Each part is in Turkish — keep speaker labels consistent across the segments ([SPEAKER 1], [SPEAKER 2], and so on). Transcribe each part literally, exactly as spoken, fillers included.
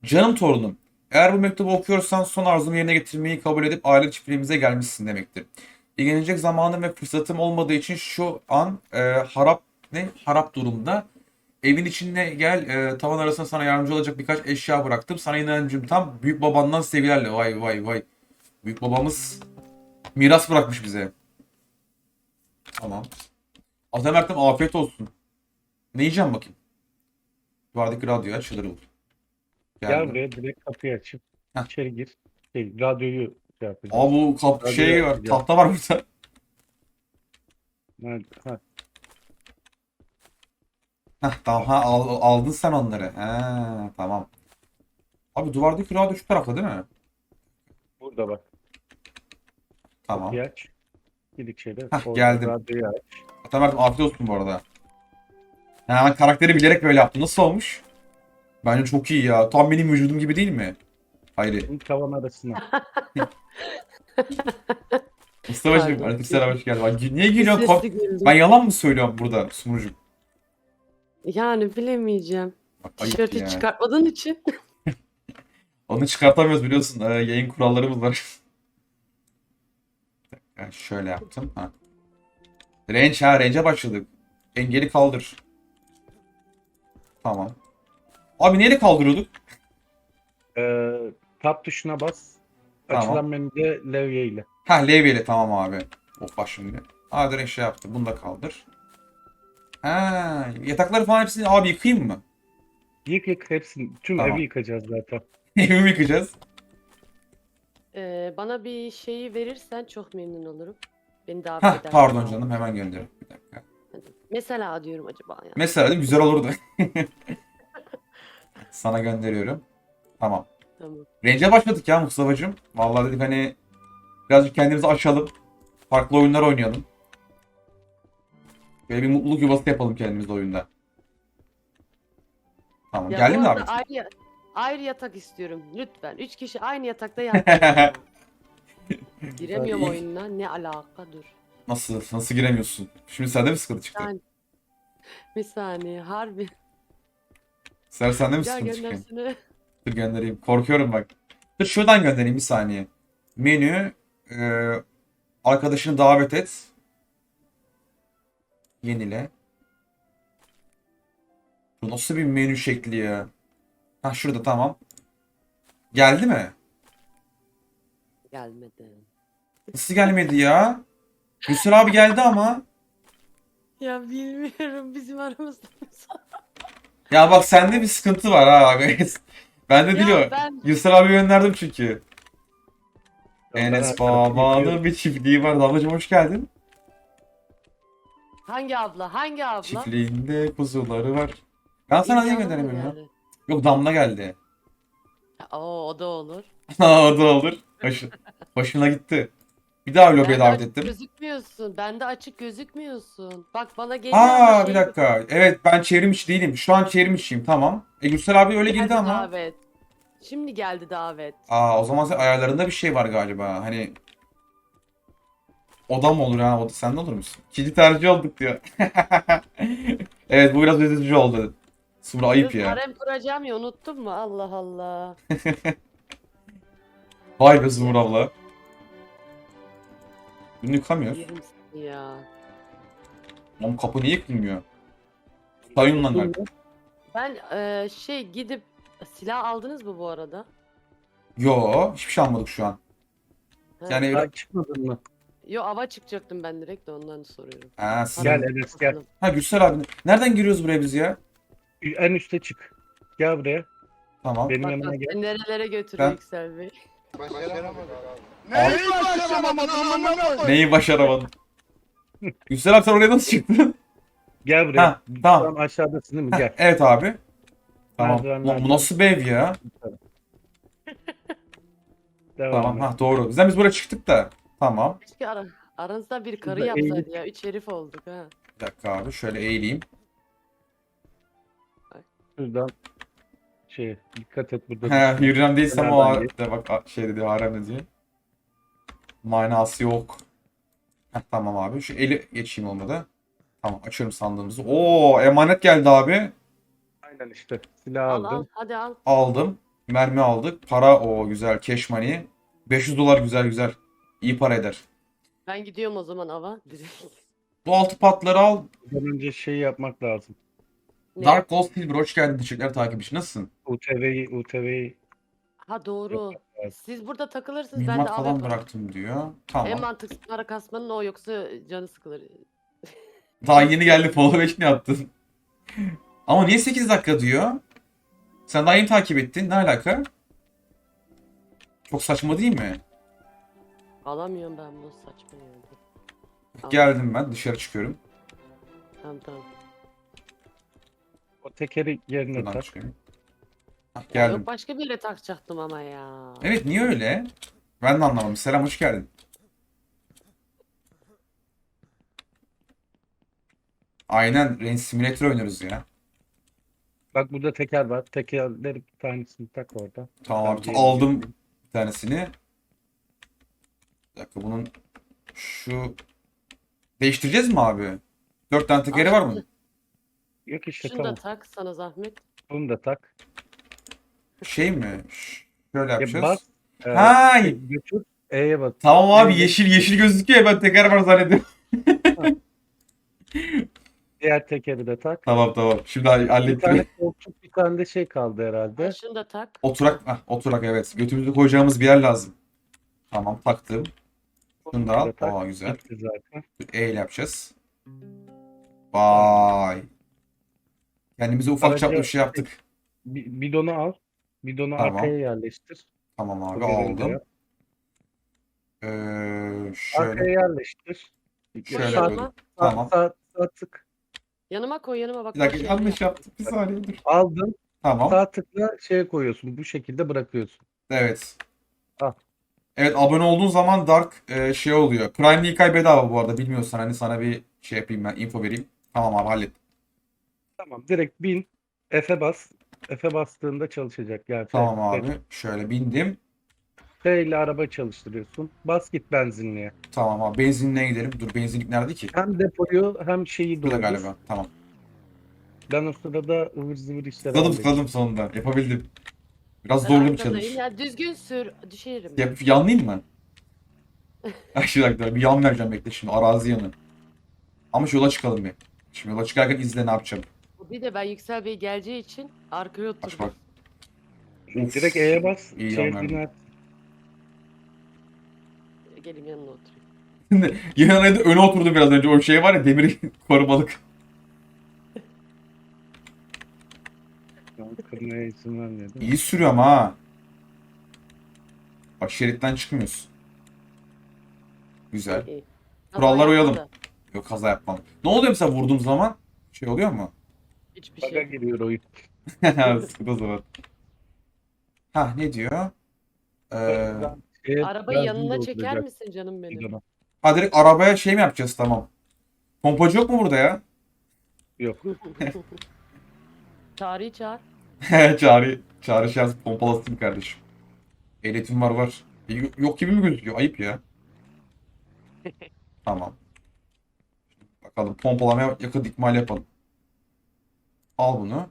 [SPEAKER 1] Canım torunum, eğer bu mektubu okuyorsan son arzumu yerine getirmeyi kabul edip aile çiftliğimize gelmişsin demektir. İlgilenecek zamanım ve fırsatım olmadığı için şu an e, harap ne harap durumda. Evin içine gel, e, tavan arasında sana yardımcı olacak birkaç eşya bıraktım. Sana inancım tam, büyük babandan sevgilerle. Vay vay vay. Büyük babamız miras bırakmış bize. Tamam. Atamert'im afiyet olsun. Ne yiyeceğim bakayım? Duvardaki radyoyu açılır olur.
[SPEAKER 2] Gel
[SPEAKER 1] Geldim.
[SPEAKER 2] buraya direkt kapıyı açıp
[SPEAKER 1] Heh.
[SPEAKER 2] içeri gir. Şey, radyoyu şey
[SPEAKER 1] Aa,
[SPEAKER 2] yapacağız.
[SPEAKER 1] bu kap
[SPEAKER 2] Radyoyu
[SPEAKER 1] şey var,
[SPEAKER 2] açacağız.
[SPEAKER 1] tahta var burada.
[SPEAKER 2] Nerede? Ha,
[SPEAKER 1] Heh, tamam, ha, al- aldın sen onları. Ha, tamam. Abi duvardaki radyo şu tarafta değil mi?
[SPEAKER 2] burada bak.
[SPEAKER 1] Tamam.
[SPEAKER 2] Kapıyı aç. Gir içeri.
[SPEAKER 1] Heh,
[SPEAKER 2] Orada
[SPEAKER 1] geldim.
[SPEAKER 2] radyoyu aç.
[SPEAKER 1] Atamert'im afiyet olsun bu arada. Ha, ben karakteri bilerek böyle yaptım. Nasıl olmuş? Bence çok iyi ya. Tam benim vücudum gibi değil mi? Hayri.
[SPEAKER 2] Bunu tavan arasına.
[SPEAKER 1] Mustafa'cığım
[SPEAKER 3] Pardon.
[SPEAKER 1] aleykümselam, hoş geldin. Bak, niye
[SPEAKER 3] Bir
[SPEAKER 1] gülüyorsun? Kork-
[SPEAKER 3] sesli güldüm.
[SPEAKER 1] Ben yalan mı söylüyorum burada Sumrucuğum?
[SPEAKER 3] Yani bilemeyeceğim.
[SPEAKER 1] Bak, ayıp
[SPEAKER 3] Tişörtü
[SPEAKER 1] ya.
[SPEAKER 3] çıkartmadığın için.
[SPEAKER 1] Onu çıkartamıyoruz biliyorsun. Ee, yayın kurallarımız var. Yani şöyle yaptım. Ha. Range, ha range'e başladık. Engeli kaldır. Tamam. Abi neyle kaldırıyorduk?
[SPEAKER 2] Ee, tab tuşuna bas.
[SPEAKER 1] Tamam.
[SPEAKER 2] Açılan menüde levye ile.
[SPEAKER 1] Ha, levyeyle tamam abi. Of bak şimdi. Aa, direkt şey yaptı. Bunu da kaldır. Ha, yatakları falan hepsini abi yıkayayım mı?
[SPEAKER 2] Yık yık hepsini. Tüm
[SPEAKER 1] Tamam.
[SPEAKER 2] evi yıkacağız zaten.
[SPEAKER 1] Evimi yıkayacağız.
[SPEAKER 3] Ee, bana bir şeyi verirsen çok memnun olurum. Beni davet
[SPEAKER 1] Ha,
[SPEAKER 3] edersen.
[SPEAKER 1] pardon canım, hemen gönderiyorum. Bir dakika.
[SPEAKER 3] Hadi. Mesela diyorum acaba ya.
[SPEAKER 1] Mesela değil mi? Güzel olurdu. Sana gönderiyorum. Tamam.
[SPEAKER 3] Tamam.
[SPEAKER 1] Range'e başladık ya Mustafa'cığım. Vallahi dedik hani birazcık kendimizi aşalım. Farklı oyunlar oynayalım. Böyle bir mutluluk yuvası yapalım kendimizde oyunda. Tamam.
[SPEAKER 3] Ya
[SPEAKER 1] Geldi
[SPEAKER 3] bu
[SPEAKER 1] mi
[SPEAKER 3] arada
[SPEAKER 1] davetin?
[SPEAKER 3] ayrı, ayrı yatak istiyorum. Lütfen. Üç kişi aynı yatakta yatmayalım. Giremiyorum
[SPEAKER 1] İyi.
[SPEAKER 3] oyununa. Ne alaka dur.
[SPEAKER 1] Nasıl? Nasıl giremiyorsun? Şimdi sende mi sıkıntı çıktı?
[SPEAKER 3] Yani bir saniye harbi.
[SPEAKER 1] Sen sende mi
[SPEAKER 3] Ya
[SPEAKER 1] sıkıntı çıktı?
[SPEAKER 3] göndersene.
[SPEAKER 1] Dur göndereyim. Korkuyorum bak. Dur şuradan göndereyim bir saniye. Menü. E, arkadaşını davet et. Yenile. Bu nasıl bir menü şekli ya? Ha, şurada tamam. Geldi mi?
[SPEAKER 3] Gelmedi.
[SPEAKER 1] Nasıl gelmedi ya? Gülsel abi geldi ama.
[SPEAKER 3] Ya bilmiyorum bizim aramızda.
[SPEAKER 1] Ya bak, sende bir sıkıntı var ha. Bende
[SPEAKER 3] Ya
[SPEAKER 1] değil o.
[SPEAKER 3] ben-
[SPEAKER 1] Gülsel abi gönderdim çünkü.
[SPEAKER 2] Ondan
[SPEAKER 1] Enes
[SPEAKER 2] artık
[SPEAKER 1] Baba'nın
[SPEAKER 2] yıkıyorum.
[SPEAKER 1] bir çiftliği var. Ablacığım hoş geldin.
[SPEAKER 3] Hangi abla? Hangi abla?
[SPEAKER 1] Çiftliğinde kuzuları var. Ben sana niye
[SPEAKER 3] İmkanı mı
[SPEAKER 1] gönderemiyorum ya?
[SPEAKER 3] yani?
[SPEAKER 1] Yok, Damla geldi.
[SPEAKER 3] Oo, o da olur.
[SPEAKER 1] O da olur. Hoş, hoşuna gitti. Bir daha lobiye
[SPEAKER 3] Bende
[SPEAKER 1] davet
[SPEAKER 3] açık
[SPEAKER 1] ettim.
[SPEAKER 3] gözükmüyorsun. Bende açık gözükmüyorsun. Bak bana geliyor ama
[SPEAKER 1] Aa,
[SPEAKER 3] şey
[SPEAKER 1] bir dakika. Evet, ben çevrim içi değilim. Şu an çevrim içiyim, tamam. E Gürsel abi öyle girdi
[SPEAKER 3] geldi
[SPEAKER 1] ama.
[SPEAKER 3] davet. Şimdi geldi davet.
[SPEAKER 1] Aa, o zaman sen ayarlarında bir şey var galiba. Hani oda mı olur ha? Oda sende olur musun? İkinci tercih olduk diyor. Evet, bu biraz üzücü oldu. Sumru ayıp
[SPEAKER 3] Kız
[SPEAKER 1] ya.
[SPEAKER 3] harem kuracağım ya unuttun mu? Allah Allah.
[SPEAKER 1] Vay be Sumru abla. Bunu yıkamıyor.
[SPEAKER 3] Yerim seni ya.
[SPEAKER 1] Oğlum, kapı niye yıkılmıyor? Sayın lan galiba.
[SPEAKER 3] Ben e, şey gidip silah aldınız mı bu arada?
[SPEAKER 1] Yo, hiçbir şey almadık şu an.
[SPEAKER 3] Ha.
[SPEAKER 1] Yani
[SPEAKER 2] Daha çıkmadın mı?
[SPEAKER 3] Yo ava çıkacaktım ben direkt de ondan soruyorum.
[SPEAKER 1] ha, sizin...
[SPEAKER 2] Gel Enes gel.
[SPEAKER 1] Ha, Gürsel abi. Nereden giriyoruz buraya biz ya?
[SPEAKER 2] En üste çık. Gel buraya.
[SPEAKER 1] Tamam.
[SPEAKER 2] Benim
[SPEAKER 3] Bak
[SPEAKER 2] yanıma
[SPEAKER 3] bak
[SPEAKER 2] gel.
[SPEAKER 3] seni nerelere götürüyor
[SPEAKER 1] Ben-
[SPEAKER 3] Yüksel Bey.
[SPEAKER 1] Neyi
[SPEAKER 4] başaramadın amına
[SPEAKER 1] Neyi başaramadın? Gürsel abi, sen oraya nasıl çıktın?
[SPEAKER 2] Gel buraya.
[SPEAKER 1] Ha, tamam.
[SPEAKER 2] Şu an aşağıdasın değil mi?
[SPEAKER 1] Heh,
[SPEAKER 2] Gel.
[SPEAKER 1] evet abi. Tamam.
[SPEAKER 2] Merdivenlerden-
[SPEAKER 1] Lan bu nasıl bir ev ya?
[SPEAKER 2] Devam
[SPEAKER 1] Tamam.
[SPEAKER 2] et.
[SPEAKER 1] Ha, doğru. Bizden biz buraya çıktık da. Tamam.
[SPEAKER 3] Keşke ara, aranızda bir karı
[SPEAKER 2] Şurada
[SPEAKER 3] yapsaydı
[SPEAKER 2] eğilip-
[SPEAKER 3] ya. Üç herif olduk ha.
[SPEAKER 1] Bir dakika abi. Şöyle eğileyim.
[SPEAKER 2] Şuradan şey dikkat et burada.
[SPEAKER 1] He,
[SPEAKER 2] düşme.
[SPEAKER 1] Hürrem değilsem o
[SPEAKER 2] Kenardan
[SPEAKER 1] ha- de bak a- şey dedi, harem dedi. Manası yok. Heh, tamam abi. Şu eli geçeyim olmadı. Tamam, açıyorum sandığımızı. Oo, emanet geldi abi.
[SPEAKER 2] Aynen işte. Silah
[SPEAKER 3] Al al
[SPEAKER 2] aldım.
[SPEAKER 3] hadi al.
[SPEAKER 1] Aldım. Mermi aldık. Para o güzel. Cash money. beş yüz dolar güzel güzel. İyi para eder.
[SPEAKER 3] Ben gidiyorum o zaman ava. Direkt.
[SPEAKER 1] Bu altı patları al.
[SPEAKER 2] Bundan önce şey yapmak lazım.
[SPEAKER 3] Ne?
[SPEAKER 1] Dark Gold Silver hoş geldin. Teşekkürler takipçi. Nasılsın?
[SPEAKER 2] U T V'yi U T V'yi
[SPEAKER 3] Ha doğru.
[SPEAKER 2] Evet.
[SPEAKER 3] Siz burada takılırsınız ben de
[SPEAKER 1] Mühimmat
[SPEAKER 3] av
[SPEAKER 1] falan
[SPEAKER 3] yaparım.
[SPEAKER 1] bıraktım diyor.
[SPEAKER 3] En
[SPEAKER 1] Tamam.
[SPEAKER 3] mantıklı para kasmanın o yoksa canı sıkılır.
[SPEAKER 1] Daha yeni geldi. Follow beş ne yaptın? Ama niye sekiz dakika diyor? Sen daha yeni takip ettin. Ne alaka? Çok saçma değil mi?
[SPEAKER 3] Alamıyorum ben bu saçma yerde. Al.
[SPEAKER 1] Geldim ben. Dışarı çıkıyorum.
[SPEAKER 3] Tamam tamam.
[SPEAKER 2] o tekeri yerine
[SPEAKER 1] Buradan
[SPEAKER 2] tak.
[SPEAKER 1] çıkıyorum. Hah,
[SPEAKER 3] Ya
[SPEAKER 1] geldim.
[SPEAKER 3] yok başka bir yere takacaktım ama ya.
[SPEAKER 1] Evet niye öyle? Ben de anlamadım. Selam hoş geldin. Aynen Range Simulator oynuyoruz ya.
[SPEAKER 2] Bak burada teker var. Tekerleri bir tanesini tak orada.
[SPEAKER 1] Tamam
[SPEAKER 2] Ben
[SPEAKER 1] abi
[SPEAKER 2] diğerini
[SPEAKER 1] aldım
[SPEAKER 2] getireyim.
[SPEAKER 1] bir tanesini. Bir dakika bunun şu değiştireceğiz mi abi? Dört tane tekeri var mı?
[SPEAKER 2] Yok işte
[SPEAKER 3] Şunu
[SPEAKER 2] tamam.
[SPEAKER 3] da tak sana zahmet.
[SPEAKER 2] Bunu da tak.
[SPEAKER 1] Şey mi? Ş- Şöyle
[SPEAKER 2] Ya
[SPEAKER 1] yapacağız.
[SPEAKER 2] bas. e,
[SPEAKER 1] Ha,
[SPEAKER 2] şey, götür. E'ye bas.
[SPEAKER 1] tamam abi
[SPEAKER 2] E'ye bas.
[SPEAKER 1] yeşil yeşil gözüküyor ya ben teker var zannediyorum.
[SPEAKER 2] Diğer tekeri de tak.
[SPEAKER 1] Tamam tamam. Şimdi
[SPEAKER 2] Bir
[SPEAKER 1] hallettim.
[SPEAKER 2] tane koltuk, bir tane de şey kaldı herhalde.
[SPEAKER 3] Ha, şunu da tak.
[SPEAKER 1] Oturak, ah, oturak evet. Götümüzü koyacağımız bir yer lazım. Tamam taktım. Şunu da al.
[SPEAKER 2] da tak.
[SPEAKER 1] Aa güzel.
[SPEAKER 2] Bitti zaten.
[SPEAKER 1] E ile yapacağız. Vay. Kendimize ufak çaplı bir
[SPEAKER 2] Araca
[SPEAKER 1] şey yaptık.
[SPEAKER 2] bi- bidonu al. Bidonu
[SPEAKER 1] Tamam.
[SPEAKER 2] arkaya yerleştir.
[SPEAKER 1] Tamam
[SPEAKER 2] Bu
[SPEAKER 1] abi
[SPEAKER 2] görevi de
[SPEAKER 1] aldım.
[SPEAKER 2] yap.
[SPEAKER 1] Ee, şöyle.
[SPEAKER 2] Arkaya yerleştir.
[SPEAKER 1] Şöyle
[SPEAKER 3] Koy
[SPEAKER 2] sağ,
[SPEAKER 1] koydum.
[SPEAKER 3] yanıma.
[SPEAKER 2] sağ,
[SPEAKER 1] Tamam.
[SPEAKER 2] sağ, sağ tık.
[SPEAKER 3] Yanıma koy yanıma bak.
[SPEAKER 1] Bir dakika
[SPEAKER 3] boş
[SPEAKER 1] yanlış
[SPEAKER 3] yere
[SPEAKER 1] yaptık. Bir saniye dur.
[SPEAKER 2] Aldın.
[SPEAKER 1] Tamam.
[SPEAKER 2] Sağ tıkla şeye koyuyorsun. Bu şekilde bırakıyorsun.
[SPEAKER 1] Evet.
[SPEAKER 2] Al.
[SPEAKER 1] Evet abone olduğun zaman Dark e, şey oluyor. Prime ilk ay bedava bu arada. Bilmiyorsan hani sana bir şey yapayım ben. Info vereyim. Tamam abi hallettim.
[SPEAKER 2] Tamam. Direkt bin. F'e bas. F'e bastığında çalışacak. Yani F,
[SPEAKER 1] Tamam
[SPEAKER 2] F,
[SPEAKER 1] abi. Şöyle bindim.
[SPEAKER 2] F ile araba çalıştırıyorsun. Bas git benzinliğe.
[SPEAKER 1] Tamam abi. Benzinliğe gidelim. Dur benzinlik nerede ki?
[SPEAKER 2] Hem depoyu hem şeyi
[SPEAKER 1] Burada
[SPEAKER 2] doldur.
[SPEAKER 1] galiba. Tamam.
[SPEAKER 2] Ben o sırada ıvır zıvır işler
[SPEAKER 1] Tıkladım
[SPEAKER 2] halledeceğim.
[SPEAKER 1] tıkladım sonunda. Yapabildim. Biraz
[SPEAKER 3] Ben
[SPEAKER 1] zorlu bir
[SPEAKER 3] arkadayım.
[SPEAKER 1] challenge.
[SPEAKER 3] Ya düzgün sür. Düşerim.
[SPEAKER 1] Yap, yanlayayım mı? Ay şu dakika bir yan vereceğim bekle şimdi arazi yanı. Ama şu yola çıkalım bir. Şimdi yola çıkarken izle ne yapacağım.
[SPEAKER 3] Bir de ben Yüksel Bey geleceği için arkaya
[SPEAKER 1] Aç
[SPEAKER 3] oturdum.
[SPEAKER 1] bak. Uf,
[SPEAKER 2] Direkt E'ye bas.
[SPEAKER 1] iyi
[SPEAKER 2] Şey
[SPEAKER 1] yan verdim.
[SPEAKER 2] biner.
[SPEAKER 3] Gelin yanına oturayım.
[SPEAKER 1] Yan evde öne oturdum biraz önce. O şey var ya demir korumalık.
[SPEAKER 2] Kırmaya izin vermiyor değil mi?
[SPEAKER 1] İyi sürüyorum ha. Bak şeritten çıkmıyorsun. Güzel.
[SPEAKER 3] İyi.
[SPEAKER 1] Kurallara
[SPEAKER 3] Kaza
[SPEAKER 1] uyalım.
[SPEAKER 3] yapma da
[SPEAKER 1] Yok kaza yapmam. Ne oluyor mesela vurduğum zaman? Şey oluyor mu?
[SPEAKER 3] Hiçbir
[SPEAKER 2] Baga
[SPEAKER 3] şey.
[SPEAKER 2] giriyor oyun.
[SPEAKER 1] Sıkıntı o zaman. Ha ne diyor? Ee,
[SPEAKER 2] Şeye
[SPEAKER 3] Arabayı
[SPEAKER 2] benzin
[SPEAKER 3] yanına çeker
[SPEAKER 2] dolduracak
[SPEAKER 3] misin canım benim?
[SPEAKER 2] bidona.
[SPEAKER 1] ha direkt arabaya şey mi yapacağız tamam. Pompacı yok mu burada ya?
[SPEAKER 2] Yok.
[SPEAKER 3] Çağrı'yı çağır.
[SPEAKER 1] Çağrı, çağrı şey yazıp pompalasın kardeşim. Ehliyetim var var. E, Yok yok gibi mi gözüküyor? Ayıp ya. Tamam. Bakalım pompalamaya yakın ikmal yapalım. Al bunu.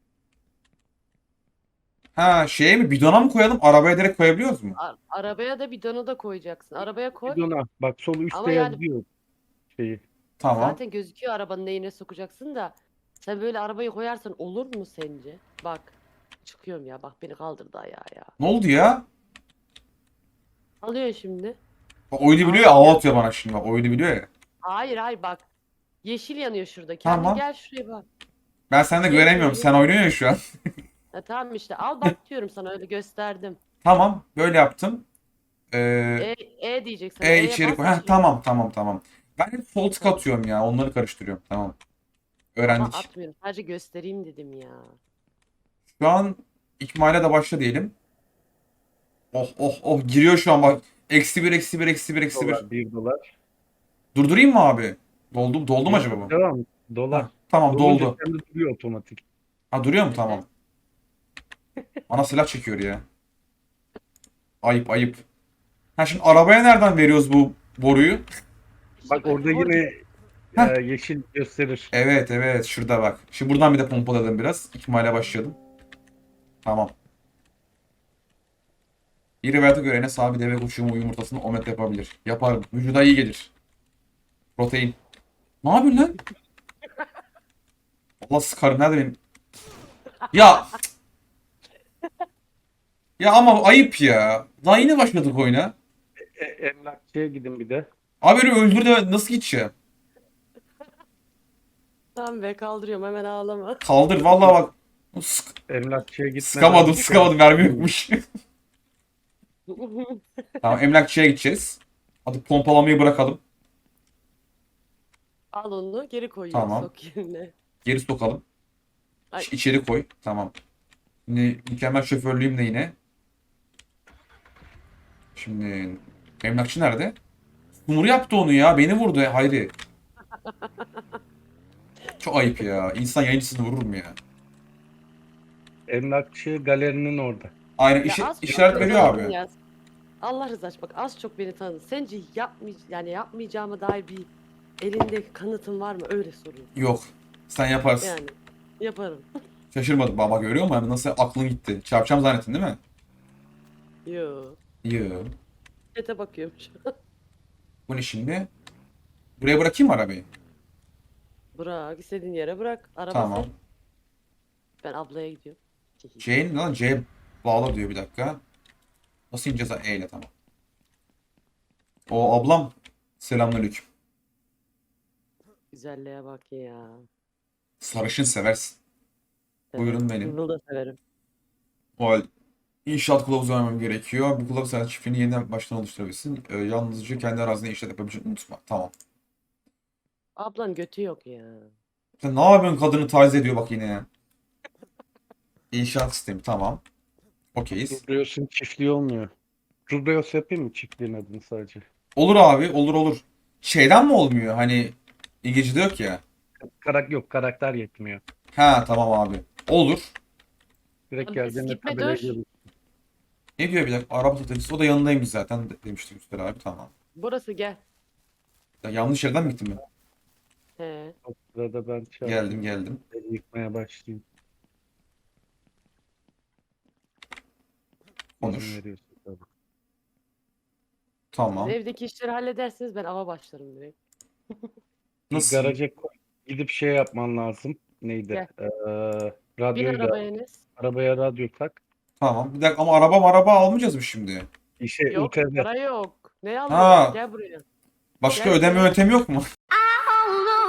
[SPEAKER 1] Ha şeye mi bidona mı koyalım? Arabaya direkt koyabiliyoruz mu?
[SPEAKER 3] A- arabaya da bidonu da koyacaksın. Arabaya koy.
[SPEAKER 2] Bidona. Bak sol üstte
[SPEAKER 3] Ama yani-
[SPEAKER 2] yazıyor şeyi.
[SPEAKER 1] Tamam.
[SPEAKER 3] Zaten gözüküyor arabanın neyine sokacaksın da. Sen böyle arabayı koyarsan olur mu sence? Bak. Çıkıyorum ya. Bak beni kaldırdı ayağa ya.
[SPEAKER 1] Ne oldu ya?
[SPEAKER 3] Alıyor şimdi.
[SPEAKER 1] Bak oyunu biliyor ya hava atıyor bana şimdi bak oyunu biliyor ya.
[SPEAKER 3] Hayır hayır bak. Yeşil yanıyor şurada. Kendin
[SPEAKER 1] Tamam.
[SPEAKER 3] gel şuraya bak.
[SPEAKER 1] Ben sende
[SPEAKER 3] Gel
[SPEAKER 1] göremiyorum.
[SPEAKER 3] buraya.
[SPEAKER 1] Sen oynuyorsun ya şu an.
[SPEAKER 3] Ha, tamam işte al bak diyorum sana öyle gösterdim.
[SPEAKER 1] Tamam. Böyle yaptım. Ee,
[SPEAKER 3] E, e diyeceksin.
[SPEAKER 1] E
[SPEAKER 3] E'ye
[SPEAKER 1] içeri
[SPEAKER 3] bas,
[SPEAKER 1] koy. Heh,
[SPEAKER 3] açıyor.
[SPEAKER 1] tamam tamam tamam. Ben hep sol tık atıyorum ya. Onları karıştırıyorum. Tamam.
[SPEAKER 3] Ama
[SPEAKER 1] Öğrendik.
[SPEAKER 3] atmıyorum. Sadece göstereyim dedim ya.
[SPEAKER 1] Şu an ikmale de başla diyelim. Oh oh oh giriyor şu an bak. Eksi bir eksi bir eksi bir eksi bir.
[SPEAKER 2] Dolar, bir dolar.
[SPEAKER 1] Durdurayım mı abi? Doldu, doldu mu acaba bu?
[SPEAKER 2] Devam. Dolar.
[SPEAKER 1] Ha, tamam
[SPEAKER 2] Dolunca
[SPEAKER 1] doldu.
[SPEAKER 2] kendi duruyor otomatik.
[SPEAKER 1] Ha duruyor mu? Tamam. Bana silah çekiyor ya. Ayıp ayıp. Ha şimdi arabaya nereden veriyoruz bu boruyu?
[SPEAKER 2] Bak orada
[SPEAKER 3] Orada-
[SPEAKER 2] yine
[SPEAKER 1] Heh.
[SPEAKER 2] e, yeşil gösterir.
[SPEAKER 1] Evet evet şurada bak. Şimdi buradan bir de pompaladım biraz. İkmale başladım. Tamam. Bir rivayete göre Enes abi deve kuşuğumu yumurtasını omlet yapabilir. Yaparım. Vücuda iyi gelir. Protein. Ne yapıyorsun lan? Allah sıkarım. Nerede benim? Ya. Ya ama ayıp ya. Daha yeni başladık oyuna.
[SPEAKER 2] E, emlakçıya gidin bir de.
[SPEAKER 1] Abi beni öldür de nasıl gideceğim?
[SPEAKER 3] Tamam be, kaldırıyorum, hemen ağlama.
[SPEAKER 1] Kaldır vallahi bak. Sık,
[SPEAKER 2] Emlakçıya gitmeden
[SPEAKER 1] sıkamadım sıkamadım. Mermi yokmuş. Tamam emlakçıya gideceğiz. Hadi pompalamayı bırakalım.
[SPEAKER 3] Al onu geri koyuyorum,
[SPEAKER 1] Tamam.
[SPEAKER 3] sok yerine.
[SPEAKER 1] Geri sokalım.
[SPEAKER 3] Ay.
[SPEAKER 1] İç- İçeri koy. Tamam. Şimdi mükemmel şoförlüğüm de yine. Şimdi emlakçı nerede? Sumur yaptı onu ya. Beni vurdu ya. Hayri. Çok ayıp ya. İnsan yayıncısını vurur mu ya?
[SPEAKER 2] emlakçı galerinin orada.
[SPEAKER 1] Aynen
[SPEAKER 3] Ya
[SPEAKER 1] işi,
[SPEAKER 3] az çok
[SPEAKER 1] işaret
[SPEAKER 3] beni
[SPEAKER 1] veriyor
[SPEAKER 3] tanıdın
[SPEAKER 1] abi.
[SPEAKER 3] ya. Allah rızası için bak, az çok beni tanıdın. Sence yapmay yani yapmayacağıma dair bir elinde kanıtın var mı? Öyle sorayım.
[SPEAKER 1] Yok. Sen yaparsın.
[SPEAKER 3] Yani yaparım.
[SPEAKER 1] Şaşırmadım. Baba görüyor musun? Hani nasıl aklın gitti. Çarpacağım zannettin değil mi?
[SPEAKER 3] Yo.
[SPEAKER 1] Yo.
[SPEAKER 3] Çete bakıyorum şu an.
[SPEAKER 1] Bu ne şimdi? Buraya bırakayım mı arabayı?
[SPEAKER 3] Bırak, istediğin yere bırak. Araba
[SPEAKER 1] Tamam.
[SPEAKER 3] sen. Ben ablaya gidiyorum.
[SPEAKER 1] C'nin lan C bağla diyor bir dakika. Nasıl ineceğiz? E ile tamam. O ablam. Selamünaleyküm.
[SPEAKER 3] Güzelliğe bak ya.
[SPEAKER 1] Sarışın seversin. Buyurun benim.
[SPEAKER 3] Bunu da severim.
[SPEAKER 1] O halde inşaat kılavuzu vermem gerekiyor. Bu kılavuz sana çiftliğini yeniden baştan oluşturabilirsin. Ee, yalnızca kendi arazinde inşaat yapabileceğini unutma. Tamam.
[SPEAKER 3] Ablan götü yok ya.
[SPEAKER 1] Sen ne yapıyorsun, kadını taciz ediyor bak yine ya. İnşaat sistemi tamam. Okeyiz.
[SPEAKER 2] Rubrios'un çiftliği olmuyor. Rubrios yapayım mı çiftliğin adını sadece?
[SPEAKER 1] Olur abi olur olur. Şeyden mi olmuyor hani İngilizce'de yok ya.
[SPEAKER 2] Karak yok, karakter yetmiyor.
[SPEAKER 1] Ha tamam abi. Olur.
[SPEAKER 2] Direkt
[SPEAKER 3] Abi,
[SPEAKER 2] geldiğinde
[SPEAKER 3] gitme,
[SPEAKER 2] tabelaya
[SPEAKER 3] dur.
[SPEAKER 2] gelin.
[SPEAKER 1] Ne diyor bir dakika? Araba satıcısı. O da yanındaymış zaten de- demişti Üster abi. Tamam.
[SPEAKER 3] Burası gel.
[SPEAKER 1] Ya, yanlış yerden mi gittim ben?
[SPEAKER 3] He.
[SPEAKER 2] O sırada ben çağırdım.
[SPEAKER 1] Geldim geldim.
[SPEAKER 2] Evi yıkmaya başlayayım.
[SPEAKER 1] Konuş.
[SPEAKER 2] İzin veriyorsun tabii.
[SPEAKER 1] Tamam.
[SPEAKER 3] Siz evdeki işleri halledersiniz, ben ava başlarım direkt.
[SPEAKER 2] Bir
[SPEAKER 1] Nasıl?
[SPEAKER 2] garaja koy. Gidip şey yapman lazım. Neydi?
[SPEAKER 3] Gel.
[SPEAKER 2] Ee,
[SPEAKER 3] Bin
[SPEAKER 2] radyoyu da
[SPEAKER 3] arabaya Enes.
[SPEAKER 2] arabaya radyo tak.
[SPEAKER 1] Tamam. Bir dakika ama araba araba almayacağız mı şimdi?
[SPEAKER 2] İşe
[SPEAKER 3] Yok,
[SPEAKER 2] U T V.
[SPEAKER 3] para yok. Ne
[SPEAKER 1] Ha.
[SPEAKER 3] alacağız? Gel buraya.
[SPEAKER 1] Başka
[SPEAKER 3] Gel
[SPEAKER 1] ödeme
[SPEAKER 3] buraya.
[SPEAKER 1] yöntemi yok mu?